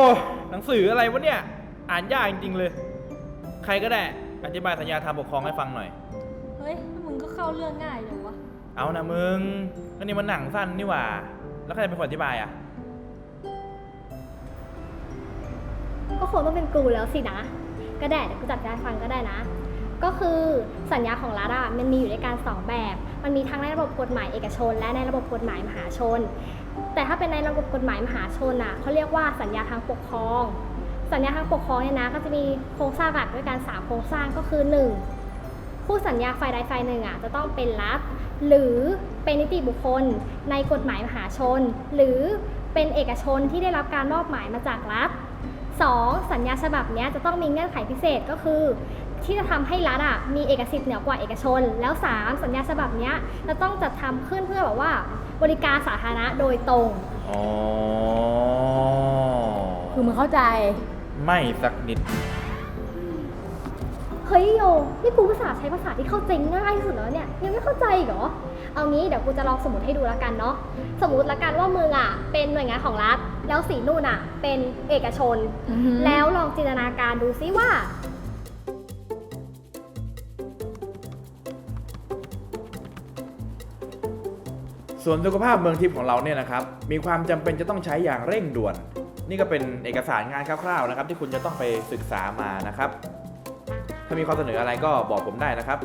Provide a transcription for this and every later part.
หนังสืออะไรวะเนี่ยอ่านยากจริงๆเลยใครก็ได้อธิบายสัญญาทางปกครองให้ฟังหน่อยเฮ้ยมึงก็เข้าเรื่องง่ายเลยวะเอานะมึงก็นี่มันหนังสั้นนี่หว่าแล้วใครเป็นคนอธิบายอ่ะก็คงต้องเป็นกูแล้วสินะก็ได้เดี๋ยวกูจัดการฟังก็ได้นะก็คือสัญญาของรัฐมันมีอยู่ด้วยกัน2แบบมันมีทั้งในระบบกฎหมายเอกชนและในระบบกฎหมายมหาชนแต่ถ้าเป็นในระบบกฎหมายมหาชนเขาเรียกว่าสัญญาทางปกครองสัญญาทางปกครองเนี่ยนะก็จะมีโครงสร้างหลักด้วยกัน3โครงสร้างก็คือ1ผู้สัญญาฝ่ายใดฝ่ายหนึ่งจะต้องเป็นรัฐหรือเป็นนิติบุคคลในกฎหมายมหาชนหรือเป็นเอกชนที่ได้รับการมอบหมายมาจากรัฐ2สัญญาฉบับนี้จะต้องมีเงื่อนไขพิเศษก็คือที่จะทำให้รัฐมีเอกสิทธิ์เหนือกว่าเอกชนแล้ว3สัญญาฉบับนี้จะต้องจัดทำขึ้นเพื่อแบบว่าบริการสาธารณะโดยตรงอ๋อคือมึงเข้าใจไม่สักนิดเฮ้ยโยนี่กูภาษาใช้ภาษาที่เข้าใจง่ายที่สุดแล้วเนี่ยยังไม่เข้าใจอีกเหรอเอางี้เดี๋ยวกูจะลองสมมติให้ดูแล้วกันเนาะสมมติละกันว่ามึงเป็นหน่วยงานของรัฐแล้วสีนู่นเป็นเอกชนแล้วลองจินตนาการดูซิว่าส่วนสุขภาพเมืองทิพย์ของเราเนี่ยนะครับมีความจำเป็นจะต้องใช้อย่างเร่งด่วนนี่ก็เป็นเอกสารงานคร่าวๆนะครับที่คุณจะต้องไปศึกษามานะครับถ้ามีข้อเสนออะไรก็บอกผมได้นะครับ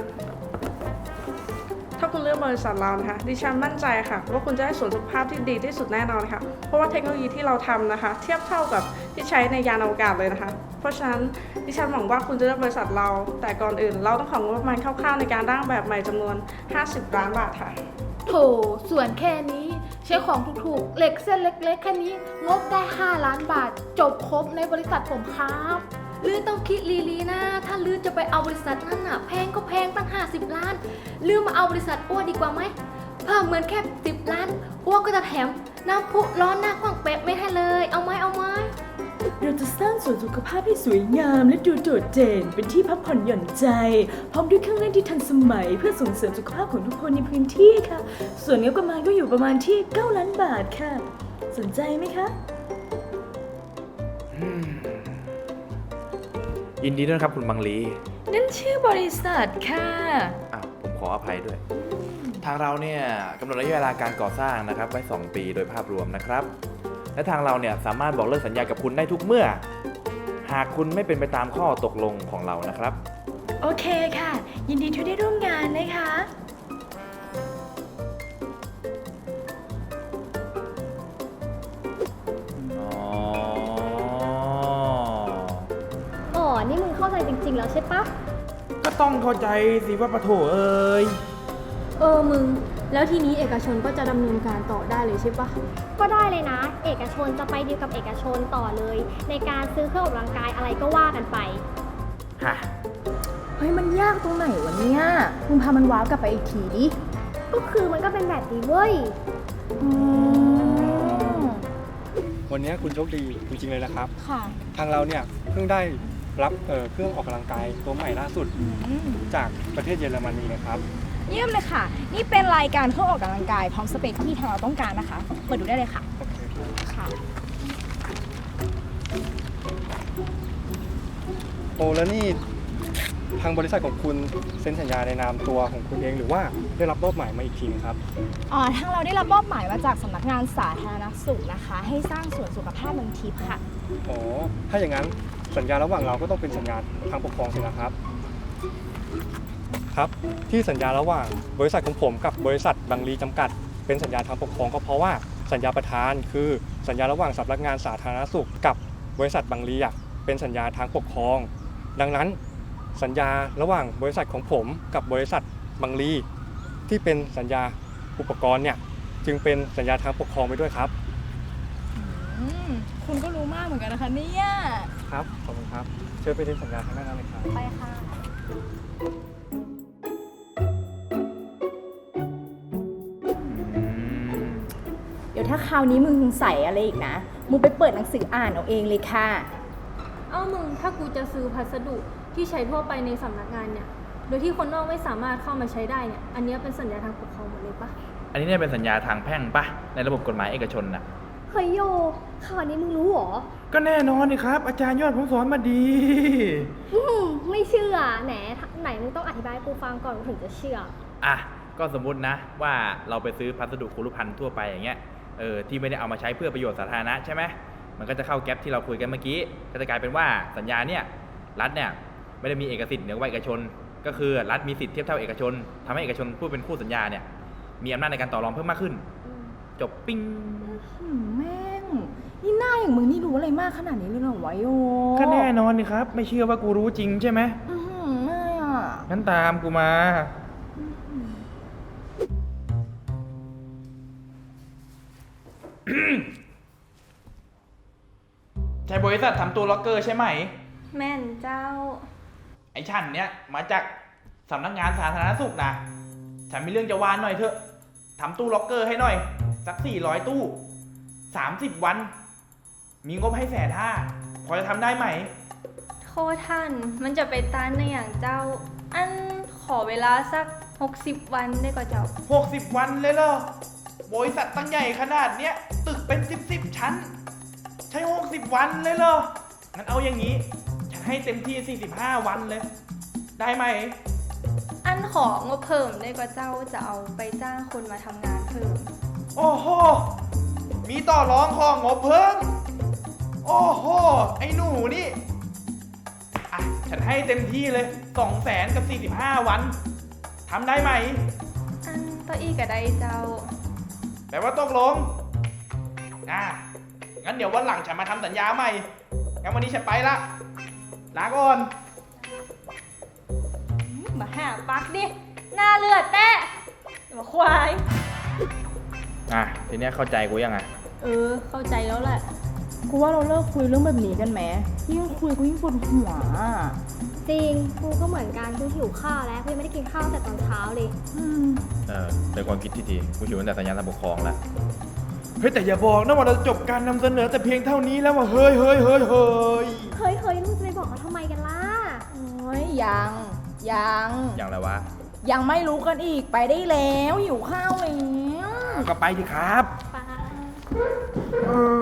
ถ้าคุณเลือกบริษัทเรานะคะดิฉันมั่นใจค่ะว่าคุณจะได้ส่วนสุขภาพที่ดีที่สุดแน่นอนค่ะเพราะว่าเทคโนโลยีที่เราทำนะคะเทียบเท่ากับที่ใช้ในยานอวกาศเลยนะคะเพราะฉะนั้นดิฉันหวังว่าคุณจะเลือกบริษัทเราแต่ก่อนอื่นเราต้องของงบประมาณคร่าวๆในการร่างแบบใหม่จำนวน50 ล้านบาทค่ะโถส่วนแค่นี้ใช้ของถูกๆเหล็กเส้นเล็กๆแค่นี้งบได้5 ล้านบาทจบครบในบริษัทผมครับลือต้องคิดลีๆนะถ้าลือจะไปเอาบริษัทนั้นแพงก็แพงตั้ง50 ล้านลือมาเอาบริษัทอ้วดีกว่าไหมเพิ่มเงินแค่10 ล้านอ้วก็จะแถมน้ำพุร้อนหน้าขว้างเป๊ะไม่ให้เลยเอาไหมเราจะสร้างสวนสุขภาพให้สวยงามและดูโดดเด่นเป็นที่พักผ่อนหย่อนใจพร้อมด้วยเครื่องเล่นที่ทันสมัยเพื่อส่งเสริมสุขภาพของทุกคนในพื้นที่ค่ะส่วนงบประมาณก็อยู่ประมาณที่9 ล้านบาทค่ะสนใจไหมคะยินดีด้วยครับคุณบังลีนั่นชื่อบริษัทค่ะผมขออภัยด้วยทางเราเนี่ยกำหนดระยะเวลาการก่อสร้างนะครับไว้2 ปีโดยภาพรวมนะครับและทางเราเนี่ยสามารถบอกเลิกสัญญากับคุณได้ทุกเมื่อหากคุณไม่เป็นไปตามข้อตกลงของเรานะครับโอเคค่ะยินดีที่ได้ร่วมงานนะคะนี่มึงเข้าใจจริงๆแล้วใช่ปะก็ต้องเข้าใจสิว่าปะโถเอ้ยมึงแล้วทีนี้เอกชนก็จะดำเนินการต่อได้เลยใช่ปะก็ได้เลยนะเอกชนจะไปดีลกับเอกชนต่อเลยในการซื้อเครื่องออกกำลังกายอะไรก็ว่ากันไปฮะเฮ้ยมันยากตรงไหนวะเนี่ยมึงพามันว้าวกลับไปอีกทีดิก็คือมันก็เป็นแบบนี้เว้ยวันนี้คุณโชคดีจริงๆเลยนะครับค่ะทางเราเนี่ยเพิ่งได้รับเครื่องออกกำลังกายตัวใหม่ล่าสุดจากประเทศเยอรมนีนะครับเยี่ยมเลยค่ะนี่เป็นรายการเครื่องออกกำลังกายพร้อมสเปคที่ทางเราต้องการนะคะเปิดดูได้เลยค่ะโอเคค่ะโอ้แล้วนี่ทางบริษัทของคุณเซ็นสัญญาในนามตัวของคุณเองหรือว่าได้รับมอบหมายมาอีกทีนึงครับทางเราได้รับมอบหมายมาจากสำนักงานสาธารณสุขนะคะให้สร้างสวนสุขภาพเมืองทิพย์ค่ะอ๋อถ้าอย่างนั้นสัญญาระหว่างเราก็ต้องเป็นสัญญาทางปกครองสินะครับครับที่สัญญาระหว่างบริษัทของผมกับบริษัทบังลีจำกัดเป็นสัญญาทางปกครองก็เพราะว่าสัญญาประธานคือสัญญาระหว่างสำนักงานสาธารณสุขกับบริษัทบังลีเป็นสัญญาทางปกครองดังนั้นสัญญาระหว่างบริษัทของผมกับบริษัทบังลีที่เป็นสัญญาอุปกรณ์เนี่ยจึงเป็นสัญญาทางปกครองไปด้วยครับคุณก็รู้มากเหมือนกันนะคะเนี่ยครับขอบคุณครับเชิญไปเซ็นสัญญาทางด้านนั้นเลยครับไปค่ะเดี๋ยวถ้าคราวนี้มึงใส่อะไรอีกนะมึงไปเปิดหนังสืออ่านเอาเองเลยค่ะมึงถ้ากูจะซื้อพัสดุที่ใช้ทั่วไปในสำนักงานเนี่ยโดยที่คนนอกไม่สามารถเข้ามาใช้ได้เนี่ยอันนี้เป็นสัญญาทางปกครองหมดเลยปะอันนี้เนี่ยเป็นสัญญาทางแพ่งปะในระบบกฎหมายเอกชนน่ะเฮ้ยโยข่าวนี้มึงรู้เหรอก็แน่นอนนี่ครับ อาจารย์ยอดผมสอนมาดีไม่เชื่อไหนมึงต้องอธิบายให้กูฟังก่อนกูถึงจะเชื่ออ่ะ ก็สมมตินะว่าเราไปซื้อพัสดุคุรุภัณฑ์ทั่วไปอย่างเงี้ย ที่ไม่ได้เอามาใช้เพื่อประโยชน์สาธารณะใช่ไหม มันก็จะเข้าแก๊ปที่เราคุยกันเมื่อกี้ ก็จะกลายเป็นว่าสัญญาเนี่ยรัฐเนี่ยไม่ได้มีเอกสิทธิ์เหนือกว่าเอกชน ก็คือรัฐมีสิทธิ์เทียบเท่าเอกชนทำให้เอกชนผู้เป็นคู่สัญญาเนี่ยมีอำนาจในการต่อรองเพิ่มมากขึ้น จบปิ้งแม่ง นี่หน้าอย่างมึงนี่รู้อะไรมากขนาดนี้เลยเหรอวะโยก็แน่นอนนี่ครับ ไม่เชื่อว่ากูรู้จริงใช่ไหมไม่อ่ะงั้นตามกูมา ใช่บริษัททำตู้ล็อกเกอร์ใช่ไหมแม่นเจ้าไอ้ฉันเนี่ยมาจากสำนักงานสาธารณสุขนะ ฉันมีเรื่องจะวานหน่อยเถอะทำตู้ล็อกเกอร์ให้หน่อย สัก400 ตู้ 30 วัน มีงบให้150,000พอจะทำได้ไหมโคท่าน มันจะไปต้านในอย่างเจ้า อันขอเวลาสัก 60 วันได้ก็เจ้า 60 วันเลยเหรอ บริษัทตั้งใหญ่ขนาดเนี้ย ตึกเป็น10 ชั้น ใช้ 60 วันเลยเหรอ งั้นเอาอย่างนี้ ฉันให้เต็มที่ 45 วันเลย ได้ไหมอันของบเพิ่มได้ก็เจ้าจะเอาไปจ้างคนมาทำงานเพิ่มโอ้โห มีต่อรองของงบเพิ่ม โอ้โห ไอ้หนูนี่ อ่ะ ฉันให้เต็มที่เลย 200,000 กับ 45 วัน ทำได้ไหมอันต่ออีกก็ได้เจ้าแปลว่าตกลง งั้นเดี๋ยววันหลังฉันมาทำสัญญาใหม่ งั้นวันนี้ฉันไปละ ลาก่อนมาหาปักดิ หน้าเลือดแต้มาควายทีเนี้ยเข้าใจกูยังไงเข้าใจแล้วแหละกูว่าเราเลิกคุยเรื่องแบบนี้กันไหมยิ่งคุยกูยิ่งปวดหัวจริง กูก็เหมือนกัน กูหิวข้าวแล้ว กูยังไม่ได้กินข้าวแต่ตอนเช้าเลยเป็นความคิดที่ดี กูอยู่ตั้งแต่สัญญาทางปกครองแล้ว เฮ้ยแต่อย่าบอกนะว่าเราจบการนำเสนอแต่เพียงเท่านี้แล้วว่าเฮ้ยเฮ้ยมึงจะไปบอกเขาทำไมกันล่ะโอ้ยยังอย่างไรวะยังไม่รู้กันอีกไปได้แล้วหิวข้าวแล้วก็ไปดิครับไปเออ